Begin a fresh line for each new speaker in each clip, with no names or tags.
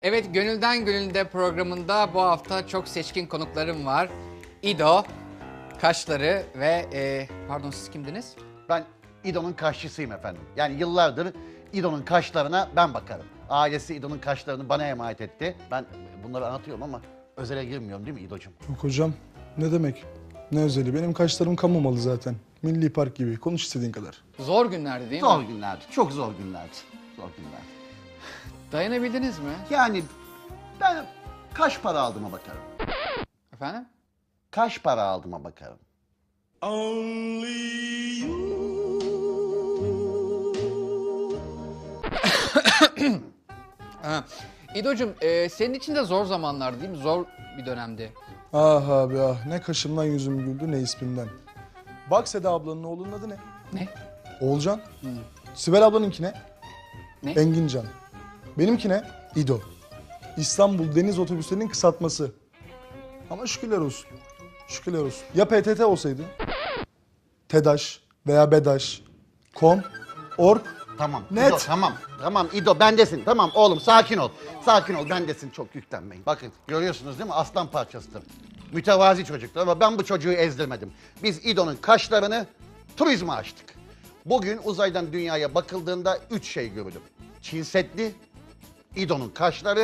Evet, Gönülden Gönülde programında bu hafta çok seçkin konuklarım var. İdo, kaşları ve pardon siz kimdiniz?
Ben İdo'nun kaşçısıyım efendim. Yani yıllardır İdo'nun kaşlarına ben bakarım. Ailesi İdo'nun kaşlarını bana emanet etti. Ben bunları anlatıyorum ama özele girmiyorum değil mi İdo'cum?
Yok hocam, ne demek? Ne özeli? Benim kaşlarım kamu malı zaten. Milli Park gibi. Konuş istediğin kadar.
Zor günlerdi değil
Zor
mi?
günlerdi, çok zor günlerdi. Zor günlerdi.
Dayanabildiniz mi?
Yani ben kaç para aldığıma bakarım.
Efendim?
Kaç para aldığıma bakarım.
Ha. İdo'cum senin için de zor zamanlardı değil mi? Zor bir dönemdi.
Ah abi ah, ne kaşımdan yüzüm güldü ne ismimden. Bak Seda ablanın oğlunun adı ne?
Ne?
Oğulcan. Sibel ablanınki ne?
Ne?
Engincan. Benimki ne? İdo. İstanbul Deniz Otobüslerinin kısaltması. Ama şükürler olsun. Şükürler olsun. Ya PTT olsaydı? TEDAŞ veya BEDAŞ, KOM, ORG,
Tamam.
Net.
İdo, tamam İdo bendesin. Tamam oğlum sakin ol. Sakin ol bendesin, çok yüklenmeyin. Bakın görüyorsunuz değil mi? Aslan parçasıdır. Mütevazi çocuktur ama ben bu çocuğu ezdirmedim. Biz İdo'nun kaşlarını turizme açtık. Bugün uzaydan dünyaya bakıldığında 3 şey görülür. Çin Seddi, İdo'nun kaşları,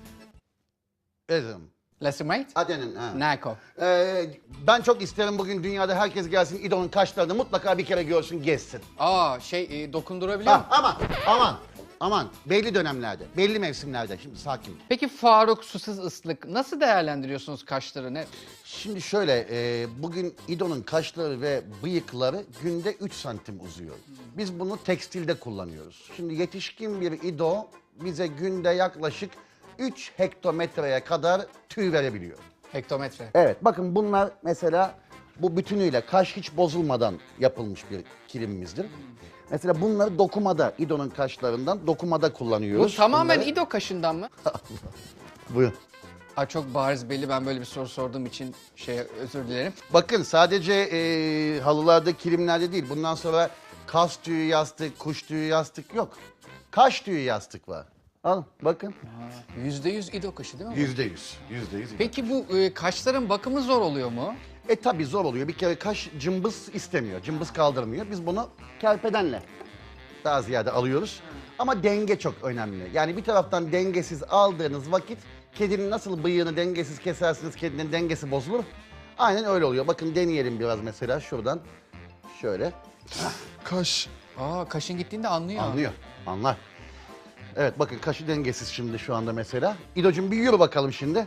Ezim.
Lesimate?
Aden'in. Ha.
Nako.
Ben çok isterim bugün dünyada herkes gelsin İdo'nun kaşlarını mutlaka bir kere görsün, gezsin.
Aa dokundurabiliyor
Ha,
musun?
aman belli dönemlerde, belli mevsimlerde. Şimdi sakin.
Peki Faruk Susuz Islık nasıl değerlendiriyorsunuz kaşlarını?
Şimdi şöyle, bugün İdo'nun kaşları ve bıyıkları günde 3 santim uzuyor. Biz bunu tekstilde kullanıyoruz. Şimdi yetişkin bir İdo bize günde yaklaşık 3 hektometreye kadar tüy verebiliyor.
Hektometre.
Evet, bakın bunlar mesela bu bütünüyle kaş hiç bozulmadan yapılmış bir kilimimizdir. Mesela bunları dokumada, İdo'nun kaşlarından dokumada
Bu
kullanıyoruz.
tamamen
Bunları-
İdo kaşından mı?
Buyurun.
Aa, çok bariz belli, ben böyle bir soru sorduğum için özür dilerim.
Bakın sadece halılarda, kilimlerde değil. Bundan sonra kas tüyü yastık, kuş tüyü yastık yok. Kaş tüyü yastık var. Alın bakın.
%100 İdo kaşı değil mi? bu?
%100.
Peki bu kaşların bakımı zor oluyor mu?
Tabii zor oluyor. Bir kere kaş cımbız istemiyor. Cımbız kaldırmıyor. Biz bunu kerpedenle daha ziyade alıyoruz. Ama denge çok önemli. Yani bir taraftan dengesiz aldığınız vakit kedinin nasıl bıyığını dengesiz kesersiniz, kedinin dengesi bozulur. Aynen öyle oluyor. Bakın deneyelim biraz mesela şuradan. Şöyle.
kaş.
Aa, kaşın gittiğinde anlıyor.
Anlıyor. Anlar. Evet bakın kaşı dengesiz şimdi şu anda mesela. İdocuğum bir yürü bakalım şimdi.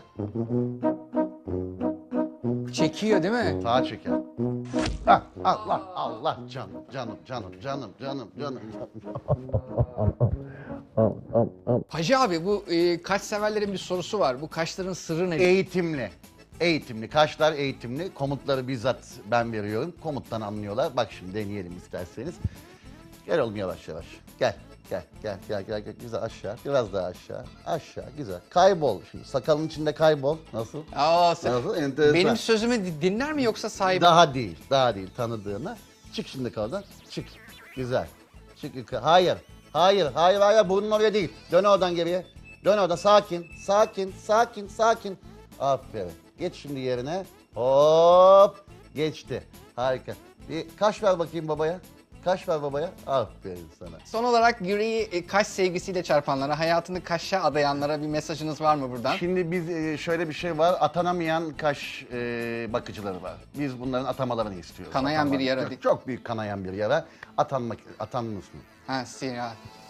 Çekiyor değil mi?
Sağa çeker. Hah, Allah canım.
Hacı abi, bu kaş severlerin bir sorusu var. Bu kaşların sırrı ne?
Eğitimli. Kaşlar eğitimli. Komutları bizzat ben veriyorum. Komuttan anlıyorlar. Bak şimdi deneyelim isterseniz. Gel oğlum yavaş. Gel. Güzel aşağı. Biraz daha aşağı. Aşağı. Güzel. Kaybol. Şimdi sakalın içinde kaybol. Nasıl?
Aa,
Nasıl? Enteresan.
benim sözümü dinler mi yoksa sahibi?
Daha değil tanıdığını. Çık şimdi kaldan. Çık. Güzel. Çık yukarı. Hayır. Burnun oraya değil. Dön oradan geriye. Dön oradan. Sakin. Aferin. Geç şimdi yerine. Hop. Geçti. Harika. Bir kaş ver bakayım babaya. Aferin sana.
Son olarak yüreği kaş sevgisiyle çarpanlara, hayatını kaşa adayanlara bir mesajınız var mı buradan?
Şimdi biz şöyle bir şey var. Atanamayan kaş bakıcıları var. Biz bunların atamalarını istiyoruz.
Kanayan bir yara.
Çok büyük kanayan bir yara. Atanmış mı?
Ha, siyah.